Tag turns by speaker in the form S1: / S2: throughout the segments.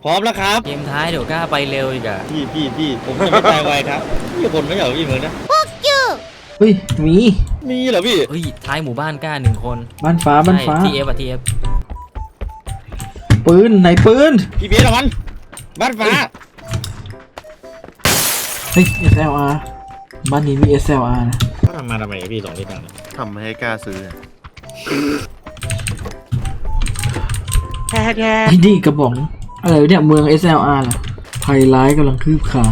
S1: พร้อมแล้วครับ
S2: เกมท้ายเดี๋ยวกล้าไปเร็วอีกอะ
S1: พี่ผมจะไม่ตายไวครับพี่คนไม่เหรอพี่เหมือนนะ
S3: เฮ้ยมี
S1: มีเหรอพี่
S2: เฮ้ยท้ายหมู่บ้านกล้าหนึ่งคน
S3: บ้านฟ้าบ้านฟ้า
S2: ทีเอฟอะทีเอฟ
S3: ปืนไหนปืน
S1: พี่เบียร์ละมันบ้านฟ้า
S3: เฮ้ย SLR บ้านนี้มี SLR นะ
S1: เขาทำมาทำไมพี่สองที่ต่าง
S4: ทำให้กล้าซื้อ
S3: ไอ้นี่กระบอกอะไรวะเนี่ยเมือง SLR ล่ะภัยร้ายกำลังคืบคลาน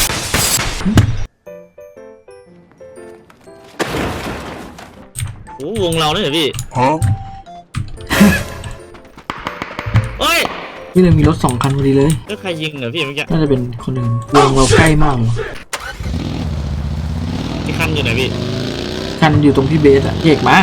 S1: โอ้วงเราเนี่ยเหรอพี่เฮ้ย
S3: นี่เลยมีรถ2 คันพอดีเลย
S1: แล้วใครยิงเหรอพี่เมื่อกี้
S3: น่าจะเป็นคนหนึ่งวงเราใกล้มากเลย
S1: ที่คันอยู่ไหนพี่
S3: คันอยู่ตรงพี่เบสอะเอกมา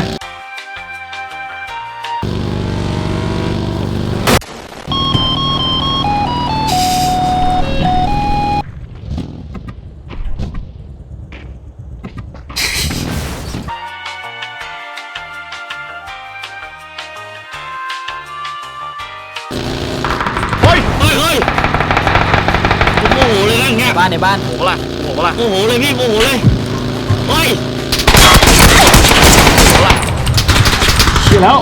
S1: เฮ้ยผมโมโหเลยนะอย่างเงี้ย
S2: บ้านในบ้าน
S4: โหล่ะ
S1: โมโหเลยพี่โมโหเลยเฮ้ย
S3: เชียร์แล้ว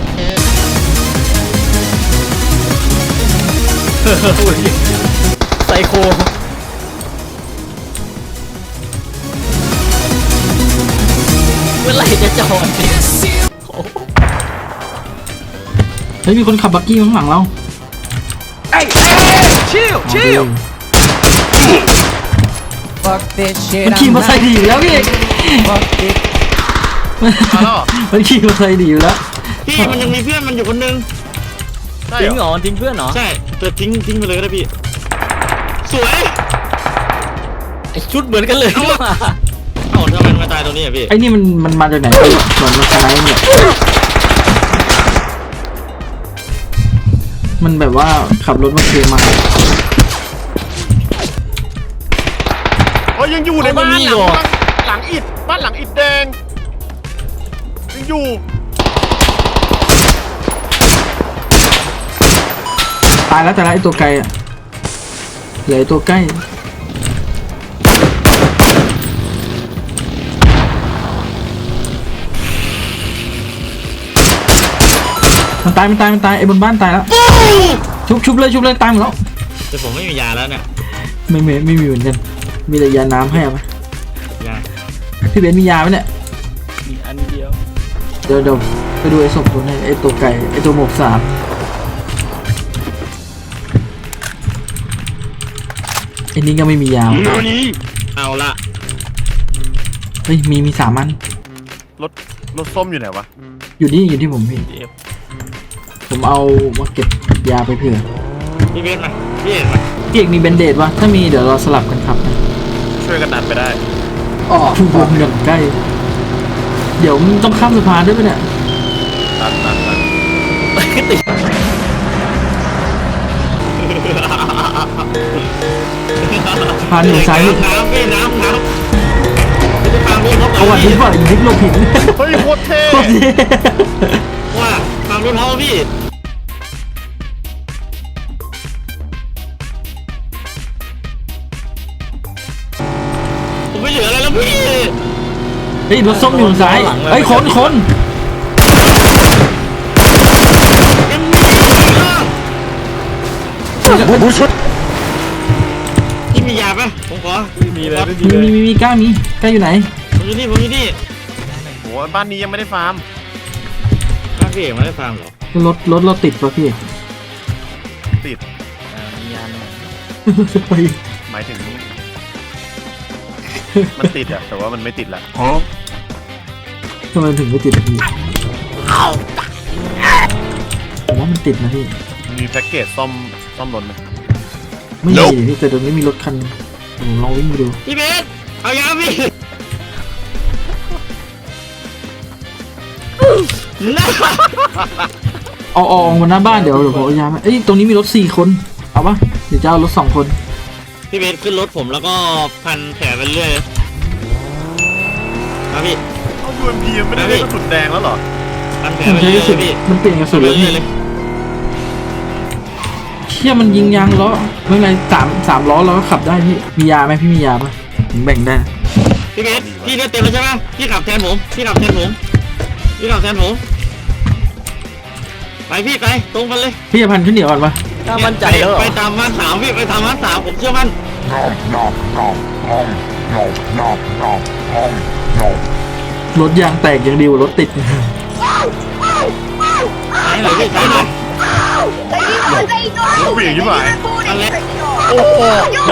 S2: ไซโคเมื่อไหร่จะจอดเนี่ย
S3: เฮ้ยมีคนขับบักกี้ข้างหลังเราชิลมันขี่มอเตอร์ไซค์ดีอยู่แล้วพี่เอกมันขี่มอเตอร์ไซค์ดีอยู่แล้ว
S1: พี่มันยังมีเพื่อนมันอยู่คนนึง
S4: ใช่
S2: ทิ้ง
S4: เห
S2: เห
S4: ร
S2: ร
S4: อ
S2: อทิ้งเพื่อนเหรอ
S1: ใช่แต่ทิ้งไปเลยก็ได้พี่สวย
S2: ไอชุดเหมือนกันเลย
S1: เอ้าทำไมมาตายตรงนี้อ่ะพี่
S3: ไอ้นี่มันมาจากไหนไปเหมือนมันสไนป์เนี่ยมันแบบว่าขับรถมาเคลียร์มา
S4: โอ้ยยังอยู่ในบ้านหลังอิฐบ้านหลังอิฐแดงยังอยู่
S3: ตายแล้วแต่ละไอ้ตัวไกลอ่ะเหลือไอ้ตัวใกล้มันตายไอ้บนบ้านตายแล้วชุบเลยตายหมดแล้ว
S1: แต่ผมไม่มียาแล้วเนี่ย
S3: ไม่มีเหมือนกันมีแต่ยาน้ำให้เอาไหม
S1: ยา
S3: พี่เบนมียาไหมเนี่ย
S2: มีอันเดียว
S3: เดี๋ยวไปดูไอ้ศพตัวนี้ไอ้ตัวไก่ไอ้ตัวหมวก3ไอ้นี่ก็ไม่มียาว
S1: เอาละ
S3: เฮ้ยมี3 อัน
S4: รถส้มอยู่ไหนวะ
S3: อยู่ที่ผมพี่ผมเอามาเก็บยาไปเผื่อ
S1: พี่เบสมาพี่เอกมา
S3: พี่เอกมีเบนเดดวะถ้ามีเดี๋ยวเราสลับกันครับนะ
S4: ช่วยกันดันไปได้
S3: อ๋อวงอย่างใกล้ เดี๋ยวมึงต้องข้ามสะพานด้วยปะเนี่ย
S4: ดัน
S2: ติด
S3: สะพานอยู่ซ้ายมือ
S1: น้ำพี่น้ำไม่ได้ตามพี่เขา
S3: เอาวันนี้ก่อนอีกนิดโลผิด
S4: เฮ้ยโคตรเท่
S3: โคตรเท่
S1: ว่าตามรถเขาพี่ผมไม่เหลืออะไรแล้วพี่
S3: เฮ้ยรถส้มอยู่ซ้ายเฮ้ยคน
S1: ยังมีพี่มียาปะผมขอ
S2: มีเลยไม่มีเลย
S3: มีกล้าอยู่ไหน
S1: ผมอยู่นี่
S4: โหบ้านนี้ยังไม่ได้ฟาร์ม
S1: บ้านพี่เอกมาได้ฟังเหรอ
S3: รถเราติดปะพี่
S4: ติด
S2: มียานหน่อย
S3: ไป
S4: หมายถึง มันติดอะแต่ว่ามันไม่ติดละ
S3: ทำไมถึงไม่ติดอะพี่ผมว่ามันติดนะพี่
S4: มีแพ็กเกจซ่อมรถไหม
S3: ไม่มีพี่แต่ตรงนี้มีรถคันผมลองวิ่งไปดู
S1: พี่เบสเอายาพี่น่า
S3: เอาออกมาหน้าบ้านเดี๋ยวผมเอายามาเอ้ยตรงนี้มีรถ4 คนเอาปะเดี๋ยวจะเอารถ2 คน
S1: พี่เบสขึ้นรถผมแล้วก็พันแผลไปเรื่อยครับพี่
S4: เอา UMP ยังไม่ได้ได้กระสุนแดงแล้วเหรอ
S1: พันแผล
S3: ผม
S1: ไป
S3: ใช้
S1: เรื่
S3: กระสุน
S1: อยพี่
S3: มันเปลี่ยนกระสุนแล้ว
S1: เรื่
S3: พี่
S1: อยเลย
S3: เชี่ยมันยิงยางล้อไม่เป็นไรสามล้อเราก็ขับได้พี่มียาไหมพี่มียาปะผมแบ่งได้
S1: พี่เบสพี่เลือดเต็มแล้วใช่ไหมพี่ขับแทนผมพี่ขับแทนผมไปพี่ไปตรงกันเลย
S3: พี่จะพันขึ้นเหนียวก่อนปะ
S2: ถ้ามั่นใจแล้วเหรอ
S1: ไปตามมาสามพี่ไปตามมาสามผมเชื่อมั่น
S3: รถยางแตกยังดีกว่ารถติด
S1: ไหนไหนพี่ไหนไหน
S4: เปลี่ยนยี่ห้อ
S1: อะไร
S4: โอ้โห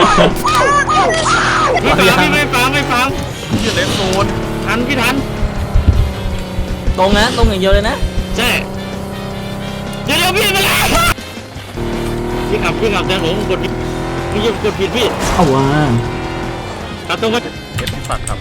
S1: ไม่ฟัง
S4: เหี้ยเลนโซน
S1: ทันพี่ทัน
S2: ตรงนะตรงอย่างเดียวเลยนะ
S1: ใช่เดี๋ยวพี่ไปแล้วพี่ขับแทนผมกดผิดพี่กดผิดพี่
S3: เอาว่า
S1: ขับตรงมา
S4: เอ็ดที่ฝักครับ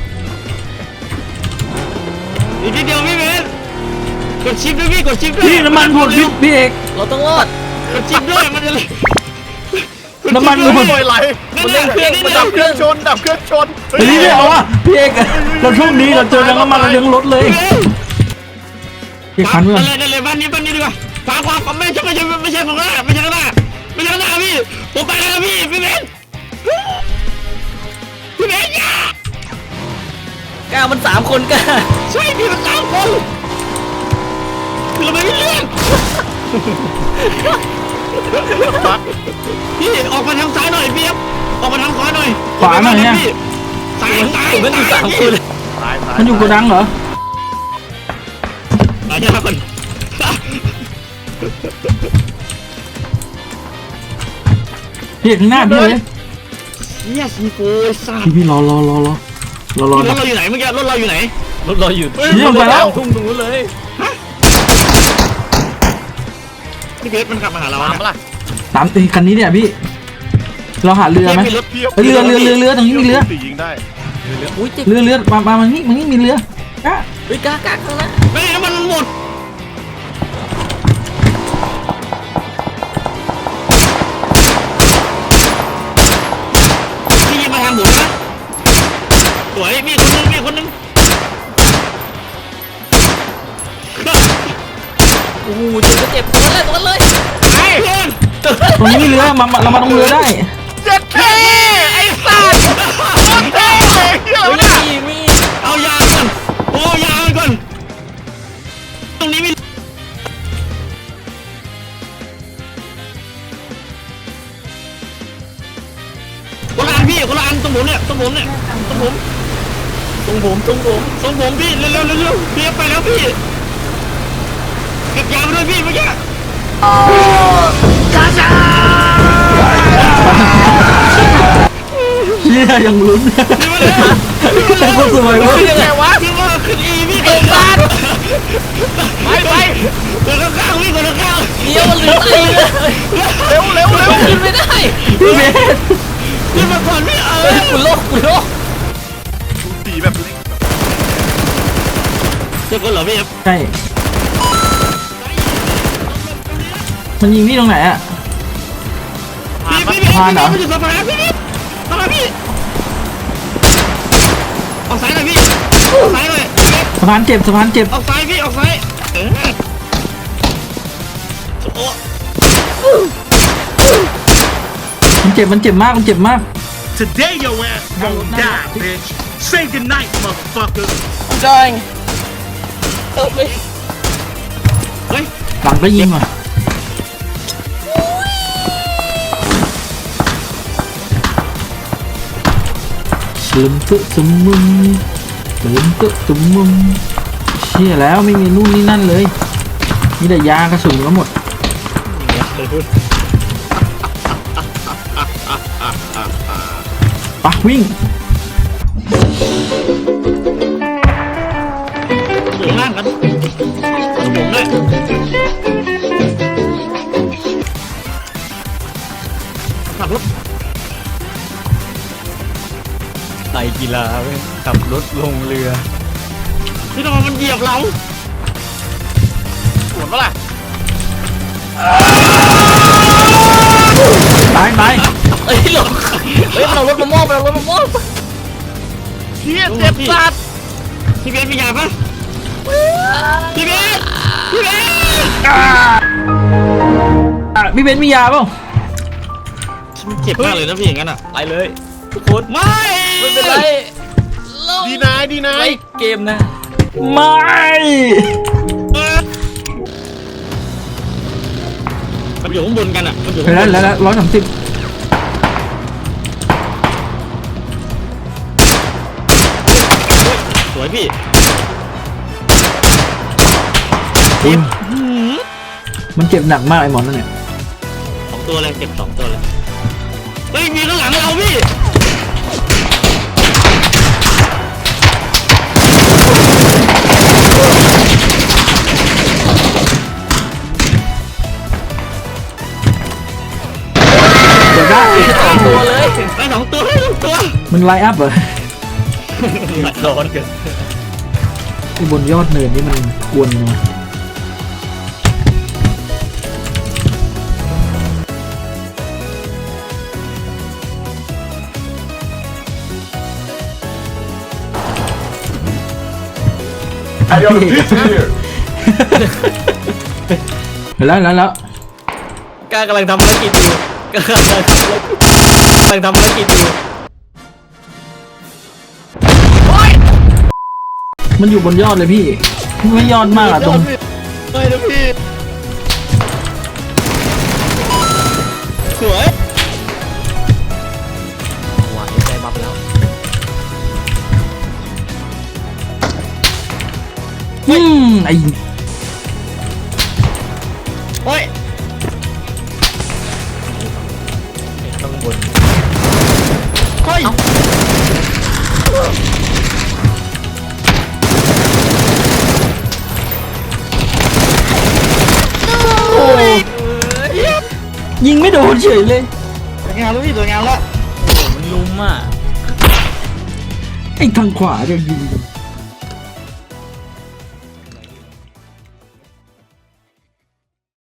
S1: อีกทีเดียวพี่เบสกดชิปด้วยพี่กดชิปด้วย
S3: พี่น้ำมันหมดพี่เอก
S2: เราต้องรอด
S1: กดชิปด้วยมันจะเลย
S3: น้ำมันหมด
S4: โอยไหล
S1: นั่นแหละเครื่อง
S4: ดับเครื่องชนดับเครื่องชน
S3: เฮ้ยไม่เอาอ่ะพี่เอกเราโชคดีเราเจอน้ำมันเราเลี้ยงรถเลยพี่คันเพื่อน
S1: นั่นเลยบ้านนี้ดีกว่าขวาไม่ใช่ข้างหน้าไม่ใช่ข้างหน้าพี่ผมไปแล้วพี่เบสอย่า
S2: ก้าวมัน3 คนก้า
S1: ใช่พี่มัน3 คนคือเราไม่มีเรื่อง
S4: ปัก
S1: พี่ออกมาทางซ้ายหน่อยพี่ออกมาทางขวาหน่อยซ้าย
S2: มันอยู่3 คน
S4: ตาย
S3: มันอยู่โกดังเหรอ
S1: อาญาคน
S3: พี่เอกข้างหน้าพี่เลย
S1: เฮียซีโฟซ่า
S3: พี่รอ
S1: รถเราอยู่ไหนเมื่อกี้รถเราอยู่ไหน
S2: รถเราอยู่
S3: นี่ไปแล้ว
S2: ทุ่งนู้นเลย
S1: พี่เบสมันขับมาหาเรา
S4: ตามปะล่ะ
S3: ตามตีคันนี้เนี่ยพี่เราหาเรือไหม
S1: พี่รถ
S3: เฮ้ยเรือตรงนี้มีเรือ
S4: ตียิงได้
S2: อุ้ยเจ็บ
S3: เรือมานี่มีเรือก้า
S2: เฮ้ยก้าข้างหน้า
S1: ไม่น้ำมันหมดพี่ยิงมาทางผมนะสวยมีคนนึง
S2: โอ้โหเจ็บตรงนั้นเลย
S1: ไอ้เพื่อน
S3: ตรงนี้มีเรือเรามาตรงเรือได้
S4: เจ็ดเท่ไอ้สัตว์เท่เหี้ย
S2: เฮ้ย
S4: อะไรวะ
S2: มี
S1: เอายาก่อนโอ้ยาก่อนตรงนี้มีคนละอันพี่คนละอันตรงผมเนี่ยตรงผม
S2: ตรงผม
S1: พี่เร็วพี่ไปแล้วพี่เก็บยามาด้วยพี่เมื่อกี้
S3: เชี่ยยังลุ้นแต่ก็สวยเว้ย
S1: แกวะพี่ว่าขึ้นอีพี่เกิดบ้านไปเกิดข้างๆพี่เกิดข้าง
S2: เดี๋ยวมันเหลือตีเลย
S4: เร็ว
S2: ขึ้นไม่ได้
S3: พี่เบส
S1: พี่มาก่อนพี่
S2: กูโลก
S4: ตีแบบนี้
S1: เจอคนเหรอพี่
S3: ใช่มันยิงพี่ตรงไหนอ่ะ
S1: พี่มันอยู่สะพานพี่สะพานพี่ออกซ้ายหน่อยพี่ออกซ้ายหน่อย
S3: สะพานเจ็บ
S1: ออกซ้ายพี่ออกซ้ายโอ้
S3: มันเจ็บมาก
S5: Today your ass won't die, bitch. Say goodnight, motherfucker.
S2: dying
S1: เฮ้ย
S3: หลังก็ยิงว่ะลืมตึสมุนเชี่ยแล้วไม่มีนู่นนี่นั่นเลยมีแต่ยากระสุนก็หมดปะวิ่ง
S1: อยู่ล่างกันผมด้วยขับรถ
S2: ไตกีฬาเว้ยขับรถลงเรือ
S1: พี่น้องมันเหยียบเรา
S4: สวนปะล่ะ
S3: ตาย
S2: เอ้ยหลงเฮ้ยมันเอารถมามอบ
S4: เฮียเจ็บสัตว์
S1: พี่เบสมียาปะพี่เบส
S3: พี่เบนซ์มียาเปล่า
S1: เจ็บมากเลยนะพี่อย่างนั้นอ่ะ
S2: ไปเลยทุกคน
S1: ไม่
S2: ไม่เป็นไร
S4: ดีนายดีนาย
S2: ไว้เกมนะ
S3: ไม่
S1: มันอยู่ข้างบนกันอ่ะมันอยู่
S3: ไป
S1: ข้างบ
S3: แล้ว
S1: น
S3: แล้ว130
S1: สวยพี่
S3: มันเจ็บหนักมากไอ้หมอนนั่นเนี่ย
S1: 2 ตัวเลยเก็บ2 ตัวเลยเฮ้ยมีข้างหลังเราพี่
S3: เดี๋ยวได้
S2: ตัวเลย
S1: ได้2 ตัวได้2 ตัว
S3: มันไลน์อัพเหรอ
S2: ร้อนเกิน
S3: ไอ้บนยอดเนินนี่มันกวนนะ
S5: I got a pizza here.
S3: เห็นแล้ว
S2: กล้ากำลังทำภารกิจอยู่กล้ากำลังทำภารกิจอยู่
S3: มันอยู่บนยอดเลยพี่ ไม่ยอดมากอะตรง
S1: ไม่นะพี่สวย
S2: หวานใจบับแล้ว
S3: ไอ้
S1: โอ้ย
S2: ข้างบน
S1: เฮ้ย
S3: โอ้ยิงไม่โดนเฉยเลย
S1: สวยงามแล้วพี่สวยงามแล้ว
S2: มันลุมอ่ะ
S3: ไอ้ทางขวาจะยิง